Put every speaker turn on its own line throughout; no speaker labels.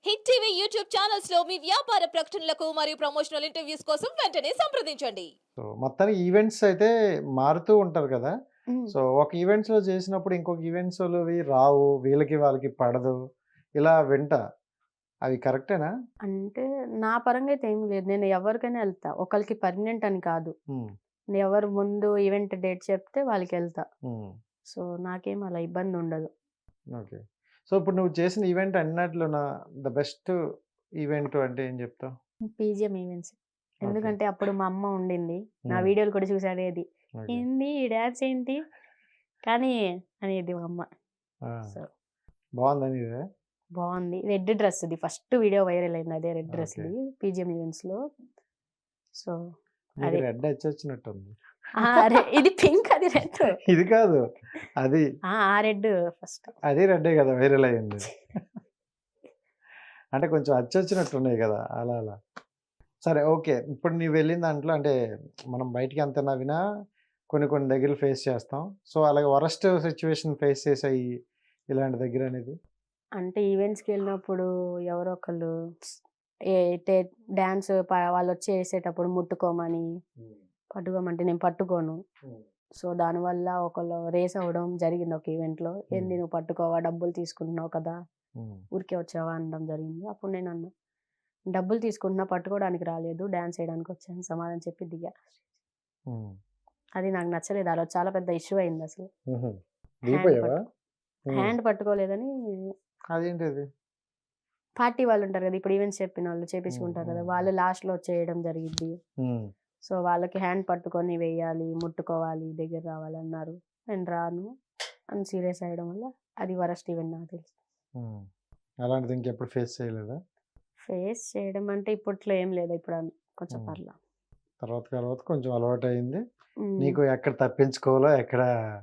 Hit TV YouTube channels లో మీ వ్యాపార ప్రకటనలకు మరియు ప్రమోషనల్ ఇంటర్వ్యూస్ కోసం వెంటనే సంప్రదించండి.
సో, మొత్తానికి ఈవెంట్స్ అయితే మారుతూ ఉంటారు కదా!
హ్మ్.
సో, ఒక ఈవెంట్స్‌లో చేసినప్పుడు ఇంకొక ఈవెంట్స్‌లోవి రావు. వీళ్ళకి వాళ్ళకి పడదు. ఇలా వింటా. అవి కరెక్టేనా?
అంటే నా పరంగా అయితే ఏమి లేదు. నేను ఎవరికైనా ఎళ్తా. ఒకళ్ళకి పర్మనెంట్ అని కాదు.
హ్మ్.
ఎవరు ముందు ఈవెంట్ డేట్ చెప్తే వాళ్ళకెళ్తా.
హ్మ్.
సో, నాకేం అలా ఇబ్బందుండదు.
ఓకే. సో, ఇప్పుడు నువ్వు చేసిన ఈవెంట్ అన్నట్లున ద బెస్ట్ ఈవెంట్ అంటే ఏం చెప్తావు?
PGM events.
ఓకే.
ఎందుకంటే అప్పుడు మా అమ్మ ఉండింది. నా
హ్మ్.
వీడియోలు కూడా చూసి అడిగేది.
ఓకే.
"ఏంది ఈ డాన్స్ ఏంటి?" కానీ అనేది మా అమ్మ.
ఆ!
సో,
బావుందా నీది?
బావుంది. రెడ్ డ్రెస్‌ది ఫస్ట్ వీడియో వైరల్ అయింది అదే రెడ్
ఓకే.
డ్రెస్‌ది పీజీఎం ఈవెంట్స్‌లో. సో,
నీకు
అది.
రెడ్ అచ్చొచ్చినట్టుంది.
ఇది పింక్ అది రెడ్.
ఇది కాదు. అది.
ఆ రెడ్ ఫస్ట్.
అది రెడ్డే కదా! వైరల్ అయింది. అంటే కొంచెం అచ్చొచ్చినట్టున్నాయి కదా! అలా అలా. సరే. ఓకే. ఇప్పుడు నీవు వెళ్ళిన దాంట్లో అంటే మనం బయటికి ఎంత నవ్వినా కొన్ని కొన్ని దగ్గరలు ఫేస్ చేస్తాం. సో, అలాగే వరస్ట్ సిట్యుయేషన్ ఫేస్ చేసాయి ఇలాంటి దగ్గరనేది?
అంటే ఈవెంట్స్‌కెళ్ళినప్పుడు ఎవరో ఒకళ్ళు ఏ టే డాన్స్ వాళ్ళొచ్చి ఏసేటప్పుడు ముట్టుకోమని,
హ్మ్.
పట్టుకోమంటే నేను పట్టుకోను.
హ్మ్.
సో, దానివల్ల ఒకళ్ళు రేస్ అవ్వడం జరిగింది ఒక ఈవెంట్‌లో. "ఏంది
హ్మ్.
నువ్వు పట్టుకోవా? డబ్బులు తీసుకుంటున్నావు కదా!
హ్మ్.
ఊరికే వచ్చావా?" అనడం జరిగింది. అప్పుడు నేనన్నా, "డబ్బులు తీసుకుంటున్నా, పట్టుకోవడానికి రాలేదు. డాన్స్ ఏయడానికి వచ్చాను" సమాధానం చెప్పి దిగా.
హ్మ్.
అది నాకు నచ్చలేదు. ఆ రోజు చాలా పెద్ద ఇష్యూ అయిందసలు.
హుహు.
హ్యాండ్
దిగిపోయావా?
పట్టు
హ్మ్.
హ్యాండ్ పట్టుకోలేదని
అదేంటది?
పార్టీ వాళ్ళుంటారు కదా! ఇప్పుడు ఈవెంట్స్ చెప్పినోళ్ళు
హ్మ్.
చేపించుకుంటారు కదా!
హ్మ్.
వాళ్ళు లాస్ట్‌లో చేయడం జరిగిద్ది.
హ్మ్.
సో, వాళ్ళకి హ్యాండ్ పట్టుకొని వెయ్యాలి, ముట్టుకోవాలి, దగ్గర రావాలన్నారు. నేను రాను అని సీరియస్ అయ్యడం వల్ల అది వరస్ట్ ఈవెంట్ నాకు తెలిసి.
హ్మ్. అలాంటిది ఇంకెప్పుడు ఫేస్ చేయలేదా?
ఫేస్ చేయడం అంటే ఇప్పట్లో ఏం లేదు. ఇప్పుడు కొంచెం
హ్మ్.
పర్లా.
తర్వాత తర్వాత కొంచెం అలవాటయింది.
హ్మ్.
నీకు ఎక్కడ తప్పించుకోవాలో, ఎక్కడ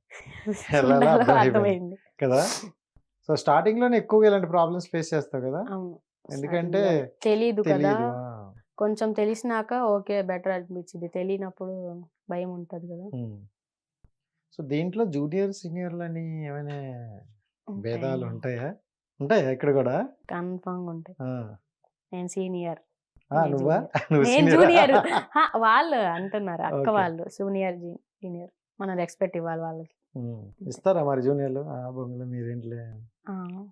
ఎళ్ళాలో
ఉండాలో
అర్థమైపోయింది.
అర్థమైంది.
కదా! సో, స్టార్టింగ్‌లోనే ఎక్కువగా ఇలాంటి ప్రాబ్లమ్స్ ఫేస్ చేస్తావు కదా!
అవును.
ఎందుకంటే
స్టార్టింగ్‌లో తెలీదు కదా!
తెలీదు. ఆ!
కొంచెం తెలిసినాక ఓకే. బెటర్ అనిపించిద్ది. తెలియనప్పుడు భయం ఉంటది కదా!
హ్మ్. సో, దీంట్లో జూనియర్, సీనియర్‌లని ఏమైనా
ఉంటాయి.
భేదాలుంటాయా? ఉంటాయా ఇక్కడ గూడా?
కన్ఫర్మ్‌గా ఉంటాయి.
ఆ!
నేను సీనియర్.
ఆ!
నేను
నువ్వా?
జూనియర్.
నువ్వు
నేను
సీనియరా?
జూనియర్. వాళ్ళు అంటున్నారు. అక్క
ఓకే.
వాళ్ళు. సీనియర్. మనం రెస్పెక్ట్ ఇవ్వాలి వాళ్ళకి.
హ్మ్.
అంతే.
ఇస్తారా మరి జూనియర్‌లు? ఆ! బొంగులు మీరేంటిలే.
ఆ!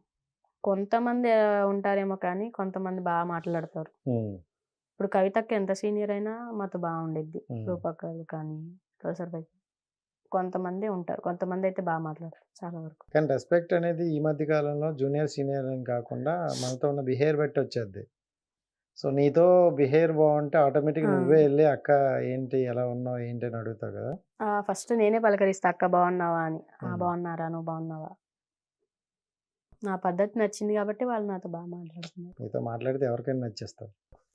కొంతమంది ఉంటారేమో కానీ, కొంతమంది మాట్లాడతారు.
హ్మ్.
ఇప్పుడు కవితక్క ఎంత సీనియర్ అయినా మాతో బాగుండిద్ది.
హ్మ్.
రూపక్కలు కానీ, కౌసర్ కొంతమందే ఉంటారు. కొంతమందయితే మాట్లాడతారు చాలా వరకు.
కానీ రెస్పెక్ట్ అనేది ఈ మధ్య కాలంలో జూనియర్, సీనియర్ అని కాకుండా మనతో ఉన్న బిహేవియర్ బట్టి వచ్చేద్ది. సో, నీతో బిహేవియర్ బావుంటే ఆటోమేటిక్‌గా
ఆ!
నువ్వే ఎళ్లి అక్క ఏంటి? ఎలా ఉన్నావు? ఏంటి? అని అడుగుతావు కదా!
ఫస్ట్ నేనే పలకరిస్తా అక్క బాగున్నావా అని. ఆ!
హ్మ్.
బాగున్నారా? నువ్వు బాగున్నావా? నా పద్ధతి నచ్చింది కాబట్టి వాళ్ళు నాతో మాట్లాడుతున్నారు.
నీతో మాట్లాడితే ఎవరికైనా నచ్చేస్తావు.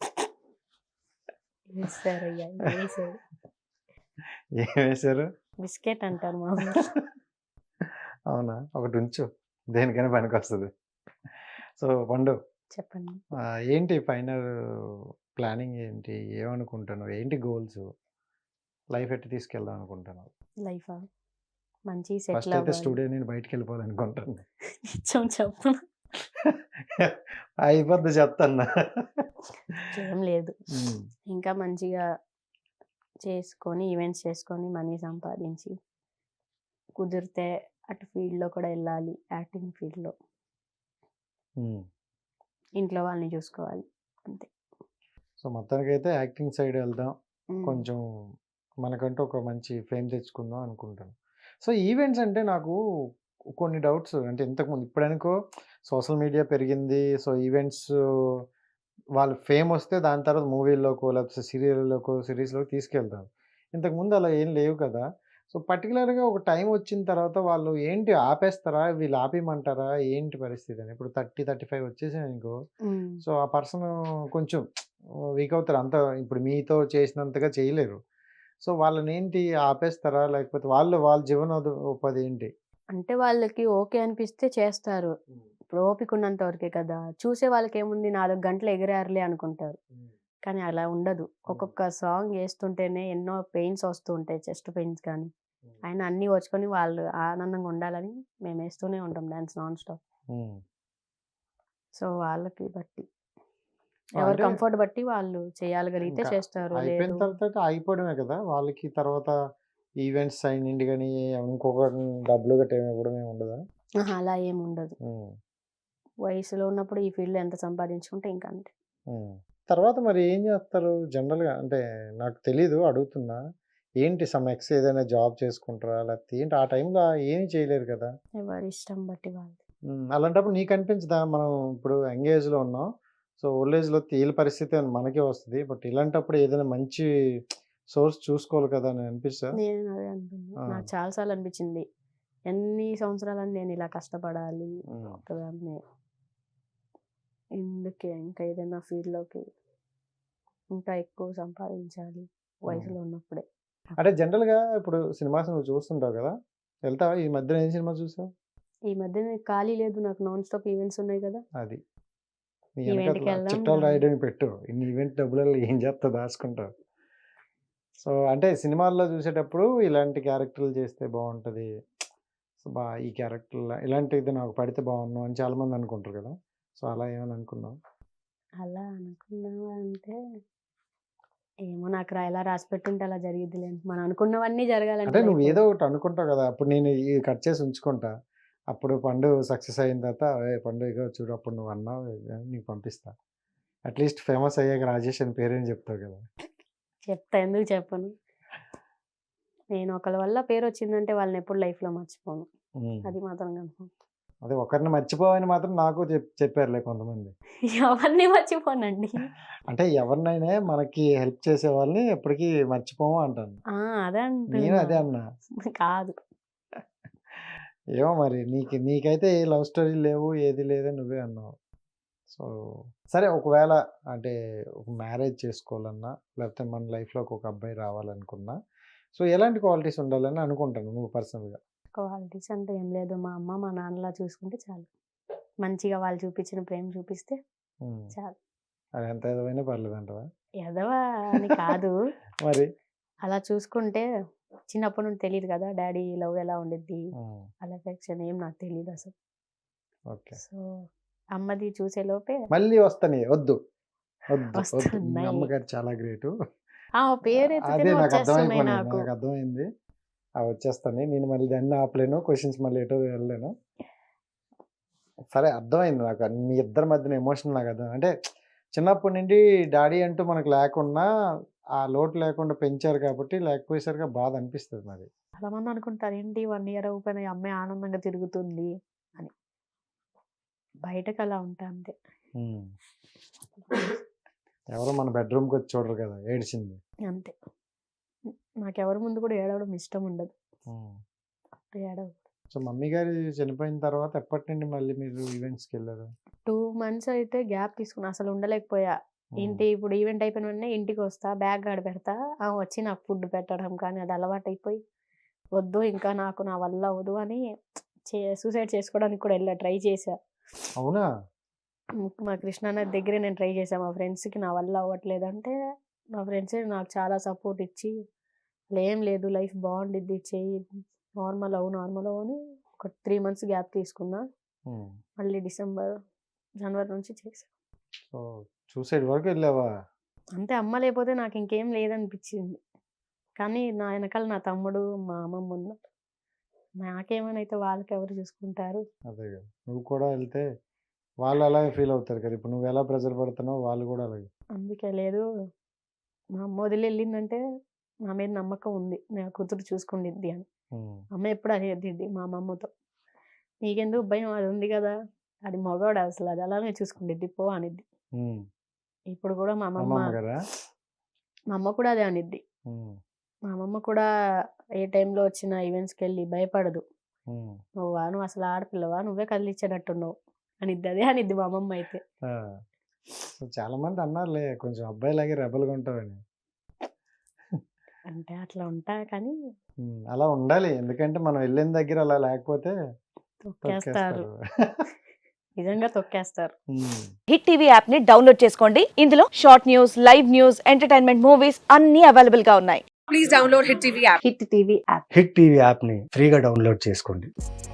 ఏసారయ్యా! ఏసారు.
ఏమేశారు?
బిస్కెట్ అంటారు మా ఊర్లో.
అవునా? ఒకటుంచు. దేనికైనా పనికొస్తది. సో, పండు
చెప్పండి.
ఏంటి ఫైనల్ ప్లానింగ్ ఏంటి? ఏమనుకుంటున్నావు? ఏంటి గోల్స్? లైఫ్ ఎట్ట తీసుకెళ్దాం అనుకుంటున్నావు?
లైఫా? మంచిగా
ఫస్ట్
సెటిల్
అయితే
అవ్వాలి.
స్టూడియో నుండి బయటికెళ్ళిపోవాలనుకుంటున్నా.
నిజం చెప్పనా?
అయిపోద్ది చెప్తన్నా.
అట్లేం లేదు.
హ్మ్.
ఇంకా మంచిగా చేసుకొని, ఈవెంట్స్ చేసుకొని, మనీ సంపాదించి, కుదిరితే అటు ఫీల్డ్‌లో కూడా ఎళ్ళాలి. యాక్టింగ్ ఫీల్డ్‌లో.
హ్మ్.
ఇంట్లో వాళ్ళని చూసుకోవాలి. అంతే.
సో, మొత్తానికైతే యాక్టింగ్ సైడ్ ఎళ్దాం.
హ్మ్.
కొంచెం మనకంటూ ఒక మంచి ఫేమ్ తెచ్చుకుందాం అనుకుంటాను. సో, ఈవెంట్స్ అంటే నాకు కొన్ని డౌట్స్ అంటే ఇంతకుముందు ఇప్పుడనుకో సోషల్ మీడియా పెరిగింది. సో, ఈవెంట్స్ వాళ్ళు ఫేమొస్తే దాని తర్వాత మూవీల్లోకో లేకపోతే సీరియల్‌లోకో, సీరీస్‌లోకి తీసుకెళ్తారు. ఇంతకుముందు అలా ఏం లేవు కదా! సో, పర్టిక్యులర్‌గా ఒక టైమ్ వచ్చిన తర్వాత వాళ్ళు ఏంటి ఆపేస్తారా? వీళ్ళు ఆపేయమంటారా? ఏంటి పరిస్థితి అని? ఇప్పుడు 30, 35 వచ్చేసాయనుకో
హ్మ్.
సో, ఆ పర్సను కొంచెం వీక్ అవుతారు. అంత ఇప్పుడు మీతో చేసినంతగా చేయలేరు. సో, వాళ్ళనేంటి ఆపేస్తారా? లేకపోతే వాళ్ళ ఉపాధి ఏంటి?
అంటే వాళ్ళకి ఓకే అనిపిస్తే చేస్తారు.
హ్మ్.
ఇప్పుడు ఓపిక ఉన్నంత వరకే కదా! చూసే వాళ్ళకేముంది 4 గంటలు ఎగిరారులే అనుకుంటారు.
హ్మ్.
కానీ అలా ఉండదు.
హ్మ్.
ఒక్కొక్క సాంగ్ ఏస్తుంటేనే ఎన్నో పెయిన్స్ వస్తూ ఉంటాయి. చెస్ట్ పెయిన్స్ కానీ,
హ్మ్.
అయినా అన్నీ ఓర్చుకొని వాళ్ళు ఆనందంగా ఉండాలని మేమేస్తూనే ఉంటాం డాన్స్ నాన్ స్టాప్.
హ్మ్.
సో వాళ్ళకి బట్టి ఎవరు
అంటే
కంఫర్ట్ బట్టి వాళ్ళు చేయగలిగితే
ఇంకా
చేస్తారు,
అయిపోయిన
లేదు
తర్వాత ఆగిపోవడమే కదా! వాళ్ళకి తర్వాత ఈవెంట్స్ అయ్యిండి గాని, ఇంకొక డబ్బులు గట్టా ఏమి ఇవ్వడం ఏమి ఉండదా?
అలా ఏమి ఉండదు.
హ్మ్.
వయసులో ఉన్నప్పుడు ఈ ఫీల్డ్‌లో ఎంత సంపాదించుకుంటే ఇంకా అంతే.
హ్మ్. తర్వాత మరి ఏం చేస్తారు జనరల్‌గా? అంటే నాకు తెలీదు అడుగుతున్నా. ఏంటి సమ్ ఏదైనా జాబ్ చేసుకుంటారా? లేకపోతే ఏంటి ఆ టైంలో ఏమి చేయలేరు కదా!
ఎవరి ఇష్టం బట్టి వాళ్ళు.
అలాంటప్పుడు నీకు అనిపించదా? మనం ఇప్పుడు యంగ్ ఏజ్‌లో ఉన్నాం. సో, ఓల్డ్ ఏజ్‌లో వీళ్ళ పరిస్థితి మనకే వస్తది. బట్ ఇలాంటప్పుడు ఏదైనా మంచి సోర్స్ చూసుకోవాలి కదా! అని అనిపిస్తదా?
నేను అదే అనుకున్నా.
ఆ!
నాకు చాలా సార్లు అనిపించింది. ఎన్ని సంవత్సరాలని నేను ఇలా కష్టపడాలి
హ్మ్.
ఒకదాన్నే. ఎందుకే ఇంకా ఏదైనా ఫీల్డ్‌లోకి ఇంకా ఎక్కువ సంపాదించాలి
హ్మ్.
వయసులో ఉన్నప్పుడే.
అంటే జనరల్‌గా ఇప్పుడు సినిమాస్ నువ్వు చూస్తుంటావు కదా! వెళ్తావా? ఈ మధ్యన ఏం సినిమా చూసావు?
ఈ మధ్యన ఖాళీ లేదు, నాకు నాన్ స్టాప్ ఈవెంట్స్ ఉన్నాయి కదా!
అది. నీ
ఈవెంట్‌కి
వెనకాతల
వెళ్ళడం
చిట్టాలు
రావడం.
రాయడానికి పెట్టు. ఇన్ని ఈవెంట్ డబ్బులలో ఏం చేస్తావు దాచుకుంటావు. సో, అంటే సినిమాల్లో చూసేటప్పుడు ఇలాంటి క్యారెక్టర్‌లు చేస్తే బావుంటది. సో, ఈ క్యారెక్టర్‌ల ఇలాంటిది నాకు పడితే బావున్ను అని చాలామంది అనుకుంటారు కదా! సో, అలా ఏమైనా అనుకున్నావా?
అలా అనుకున్నావా అంటే ఏమో నాకు ఎలా రాసి పెట్టుంటే అలా జరిగిద్దిలేండి. మనం అనుకున్నవన్నీ జరగాలంటే
అంటే నువ్వు
లైఫ్‌లో
ఏదో ఒకటి అనుకుంటావు కదా! అప్పుడు నేను ఇది కట్ చేసి ఉంచుకుంటా. అప్పుడు పండు సక్సెస్ అయిన తర్వాత, "ఏయ్! పండు ఇగో చూడు అప్పుడు నువ్వు అన్నావు" అని నీకు పంపిస్తా. అట్‌లీస్ట్ ఫేమస్ అయ్యాక రాజేష్ అని పేరైనా చెప్తావు కదా!
చెప్తా, ఎందుకు చెప్పను. నేను ఒకళ్ళ వల్ల పేరొచ్చిందంటే వాళ్ళని ఎప్పుడు లైఫ్‌లో మర్చిపోను.
హ్మ్.
అది మాత్రం కన్ఫర్మ్.
అదే ఒకరిని మర్చిపోవని మాత్రం నాకు చెప్పారులే కొంతమంది.
ఎవరిని మర్చిపోనండి.
అంటే ఎవరినైనా మనకి హెల్ప్ చేసే వాళ్ళని ఎప్పటికీ మర్చిపోము అంటాను.
అదే
నేను
అంటున్నా.
అదే అన్నా.
కాదు.
ఏమో మరి నీకైతే ఏ లవ్ స్టోరీలు లేవు, ఏది లేదని నువ్వే అన్నావు. సో, సరే ఒకవేళ అంటే ఒక మ్యారేజ్ చేసుకోవాలన్నా, లేకపోతే మన లైఫ్‌లోకి ఒక అబ్బాయి రావాలనుకున్నా, సో, ఎలాంటి క్వాలిటీస్ ఉండాలని అనుకుంటాను నువ్వు పర్సనల్‌గా?
క్వాలిటీస్ అంటే ఏం లేదు. మా అమ్మ, మా నాన్నలా చూసుకుంటే చాలు. మంచిగా వాళ్ళు చూపించిన ప్రేమ చూపిస్తే
హ్మ్.
చాలు.
అది ఎంత ఎదవైనా పర్లేదంటావా?
ఎదవ అని కాదు.
మరి?
అలా చూసుకుంటే చిన్నప్పటి నుండి తెలీదు కదా! డ్యాడీ లవ్ ఎలా ఉండిద్ది,
హ్మ్.
వాళ్ళ ఎఫెక్షన్ ఏం నాకు తెలీదసలు.
ఓకే.
సో, అమ్మది చూసే లోపే
మళ్ళీ వస్తాయి. వద్దు. వద్దు. మీ
వస్తున్నాయి.
అమ్మగారు చాలా గ్రేటు.
పేరు
అదే
ఎత్తితేనే
నాకు
వచ్చేస్తున్నాయి
అర్థమైపోయినాయి.
నాకు.
నాకు అర్థమైంది. వచ్చేస్తాయి. నేను మళ్ళీ దాన్ని ఆపలేను. క్వెషన్స్ మళ్ళీ ఎటో వెళ్ళలేను. సరే అర్థమైంది నాకు. మీ ఇద్దరి మధ్యన ఎమోషన్ నాకు అర్థం. అంటే చిన్నప్పటి నుండి డ్యాడీ అంటూ మనకు లేకున్నా, ఆ లోటు లేకుండా పెంచారు కాబట్టి, లేకపోయేసరికి బాధ అనిపిస్తది మరి.
చాలామంది అనుకుంటారు ఏంటి 1 ఇయర్ అవ్వకపోయినా ఈ అమ్మాయి ఆనందంగా తిరుగుతుంది అని. బయటకు అలా ఉంటా అంతే.
హ్మ్. ఎవరో మన బెడ్‌రూమ్‌కి వచ్చి చూడరు కదా! ఏడిచింది.
అంతే. నాకెవరి ముందు కూడా ఏడవడం ఇష్టం ఉండదు.
హ్మ్.
ఏడవ
సో, మమ్మీ గారు చనిపోయిన తర్వాత ఎప్పటి నుండి మళ్ళీ మీరు ఈవెంట్స్‌కెళ్లారు?
2 మంత్స్ అయితే గ్యాప్ తీసుకున్నా. అసలు ఉండలేకపోయా.
హ్మ్.
ఇప్పుడు ఈవెంట్ అయిపోయిన వెంటనే ఇంటికొస్తా, బ్యాగ్ ఆడ పెడతా. వచ్చి నాకు ఫుడ్ పెట్టడం కానీ అది అలవాటైపోయి, వద్దు ఇంకా నాకు నా వల్ల అవ్వదు అని సూసైడ్ చేసుకోవడానికి కూడా ట్రై చేశా.
అవునా?
మా కృష్ణానది దగ్గరే నేను ట్రై చేశా. మా ఫ్రెండ్స్‌కి నా వల్ల అవ్వట్లేదంటే, మా ఫ్రెండ్సే నాకు చాలా సపోర్ట్ ఇచ్చి, "ఏం లేదు లైఫ్ బాగుండిద్ది చెయ్యి. నార్మల్ అవ్వు" అని ఒక 3 మంత్స్ గ్యాప్ తీసుకున్నా.
హ్మ్.
మళ్ళీ జనవరి నుంచి చేశా.
సో, సూసైడ్ వరకు వెళ్ళావా?
అంతే, అమ్మ లేకపోతే నాకు ఇంకేం లేదనిపించింది. కానీ నా వెనకాల నా తమ్ముడు, మా అమ్మమ్మ ఉన్నారు. నాకేమైనా అయితే వాళ్ళకెవరు చూసుకుంటారు?
అదే కదా! నువ్వు కూడా వెళ్తే వాళ్ళు అలాగే ఫీల్ అవుతారు కదా! ఇప్పుడు నువ్వు ఎలా ప్రెషర్ పడుతున్నావో వాళ్ళు కూడా అలాగే.
అందుకే లేదు, మా అమ్మ వదిలి వెళ్ళిందంటే నా మీద నమ్మకం ఉంది. నా కూతురు చూసుకుండిద్ది అని.
హ్మ్.
అమ్మ ఎప్పుడు అనేదిద్ది మా అమ్మమ్మతో. "నీకెందుకు భయం? అది ఉంది కదా! అది మగోడు అసలు అది అలానే చూసుకుండిద్ది పో" అనిద్ది.
హ్మ్.
ఇప్పుడు కూడా మా
అమ్మమ్మ గారా?
అమ్మ కూడా అదే అనిద్ది.
హ్మ్.
మా అమ్మమ్మ కూడా ఏ టైంలో వచ్చిన ఈవెంట్స్‌కెళ్ళి భయపడదు.
హ్మ్.
నువ్వు అసలు ఆడపిల్లవా? నువ్వే కదిలిచ్చేటట్టున్నావు అనిద్ది. అదే అనిద్ది మా అమ్మమ్మ అయితే.
ఆ! సో, చాలామంది అన్నారులే కొంచెం అబ్బాయిలాగే రెబెల్‌గా ఉంటావని.
అంటే అట్లా ఉంటా కానీ
హ్మ్. అలా ఉండాలి. ఎందుకంటే మనం వెళ్ళిన దగ్గర అలా లేకపోతే
తొక్కేస్తారు.
తొక్కేస్తారు.
నిజంగా తొక్కేస్తారు.
హ్మ్.
హిట్ టీవీ యాప్ ని డౌన్లోడ్ చేసుకోండి. ఇందులో short news, live news, entertainment movies అన్ని అవైలబుల్ గా ఉన్నాయి.
హిట్ టీవీ యాప్ని ఫ్రీగా డౌన్లోడ్ చేసుకోండి.